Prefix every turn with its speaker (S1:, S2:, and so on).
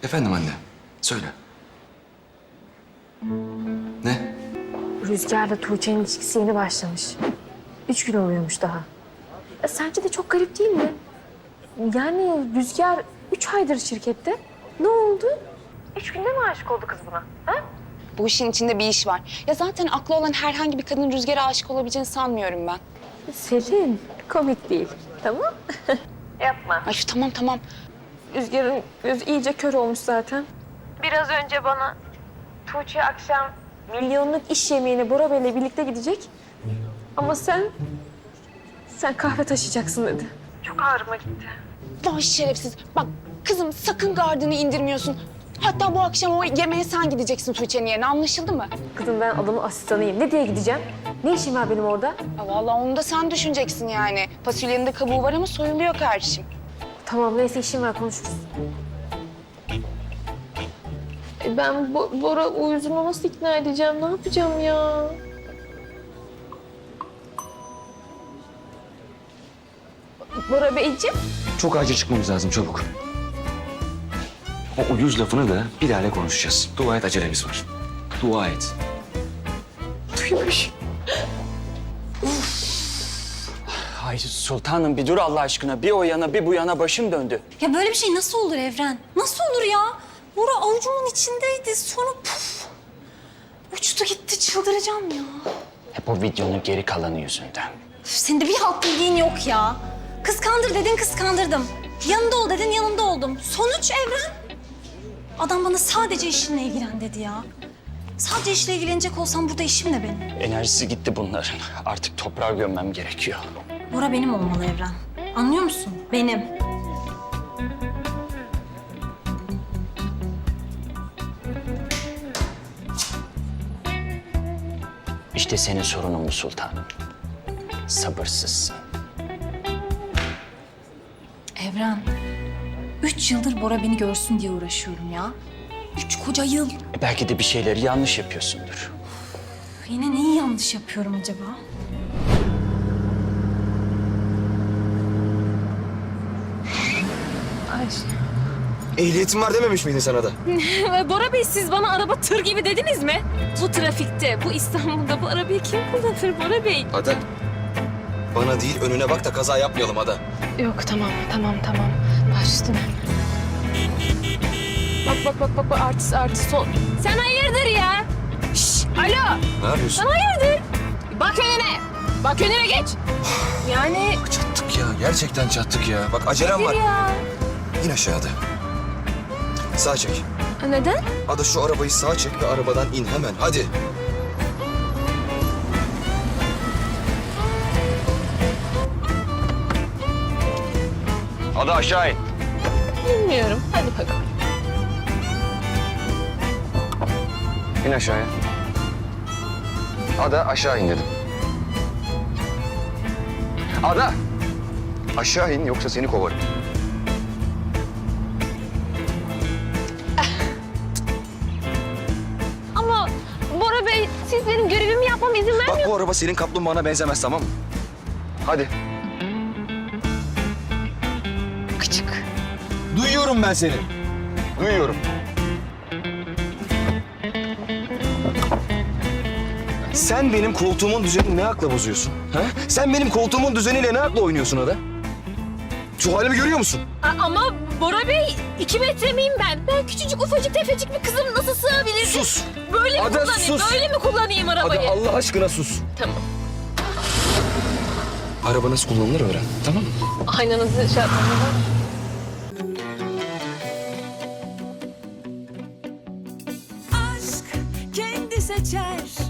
S1: Efendim anne, söyle. Ne?
S2: Rüzgar'la Tuğçe'nin ilişkisi yeni başlamış. 3 gün oluyormuş daha. Sence de çok garip değil mi? Yani Rüzgar 3 aydır şirkette. Ne oldu? 3 günde mi aşık oldu kız buna? Ha?
S3: Bu işin içinde bir iş var. Ya zaten aklı olan herhangi bir kadın Rüzgar'a aşık olabileceğini sanmıyorum ben.
S2: Selin, komik değil. Tamam? Yapma.
S3: Ay tamam.
S2: Rüzgar'ın gözü iyice kör olmuş zaten. Biraz önce bana Tuğçe akşam milyonluk iş yemeğine Bora Bey'le birlikte gidecek. Ama sen kahve taşıyacaksın dedi. Çok ağrıma gitti.
S3: Vay şerefsiz. Bak kızım sakın gardını indirmiyorsun. Hatta bu akşam o yemeğe sen gideceksin Tuğçe'nin yerine, anlaşıldı mı?
S2: Kızım ben adamın asistanıyım. Ne diye gideceğim? Ne işim var benim orada?
S3: Ya vallahi onu da sen düşüneceksin yani. Fasulyenin de kabuğu var ama soyuluyor kardeşim.
S2: Tamam neyse işim var konuşuruz. Ben Bora uyuzuma nasıl ikna edeceğim? Ne yapacağım ya? Bora Beyciğim.
S1: Çok acil çıkmamız lazım, çabuk. O uyuz lafını da Bilal'le konuşacağız. Dua et, acelemiz var. Dua et.
S2: Duymuş.
S4: Ay sultanım bir dur Allah aşkına. Bir o yana bir bu yana başım döndü.
S5: Ya böyle bir şey nasıl olur Evren? Nasıl olur ya? Bora avucumun içindeydi. Sonra puf. Uçtu gitti. Çıldıracağım ya.
S4: Hep o videonun geri kalanı yüzünden.
S5: Üf, senin de bir halt bildiğin yok ya. Kıskandır dedin kıskandırdım. Yanında ol dedin yanında oldum. Sonuç Evren. Adam bana sadece işinle ilgilen dedi ya. Sadece işle ilgilenecek olsam burada işim ne benim?
S4: Enerjisi gitti bunların. Artık toprağa gömmem gerekiyor.
S5: Bora benim olmalı Evren. Anlıyor musun? Benim.
S4: İşte senin sorunun bu sultanım. Sabırsızsın.
S5: Evren. 3 yıldır Bora beni görsün diye uğraşıyorum ya. 3 koca yıl.
S4: Belki de bir şeyleri yanlış yapıyorsundur.
S5: Yine neyi yanlış yapıyorum acaba?
S1: Ehliyetin var dememiş miydin sana da?
S2: Bora Bey siz bana araba tır gibi dediniz mi? Bu trafikte, bu İstanbul'da bu arabayı kim kullanır Bora Bey?
S1: Ada. Bana değil, önüne bak da kaza yapmayalım Ada.
S2: Yok tamam. Baş üstüne. Bak artist son. Sen hayırdır ya? Şşş alo.
S1: Ne yapıyorsun?
S2: Sen hayırdır? Bak önüne. Bak önüne geç. Yani
S1: Çattık ya, gerçekten çattık ya. Bak acelem var.
S2: ya.
S1: İn aşağıda. Sağ çek.
S2: Neden?
S1: Ada şu arabayı sağa çek ve arabadan in hemen. Hadi. Ada aşağı in.
S2: Bilmiyorum. Hadi bakalım.
S1: İn aşağıya. Ada aşağı in dedim. Ada! Aşağı in yoksa seni kovarım.
S2: Ama Bora Bey siz benim görevimi yapmama izin
S1: Bak bu araba senin kaplumbağana benzemez, tamam mı? Hadi.
S3: Küçük.
S1: Duyuyorum ben seni. Duyuyorum. Sen benim koltuğumun düzenini ne akla bozuyorsun? Ha? Sen benim koltuğumun düzeniyle ne akla oynuyorsun Ada? Şu halimi görüyor musun?
S2: Ama Bora Bey 2 metre miyim ben? Ben küçücük ufacık tefecik bir kızım nasıl sığabilirim?
S1: Sus!
S2: Böyle mi
S1: Ada,
S2: kullanayım?
S1: sus!
S2: Böyle mi kullanayım arabayı?
S1: Ada Allah aşkına sus.
S2: Tamam.
S1: Araba nasıl kullanılır öğren, tamam mı?
S2: Aynanızı şey yapmam.
S6: Aşk kendi seçer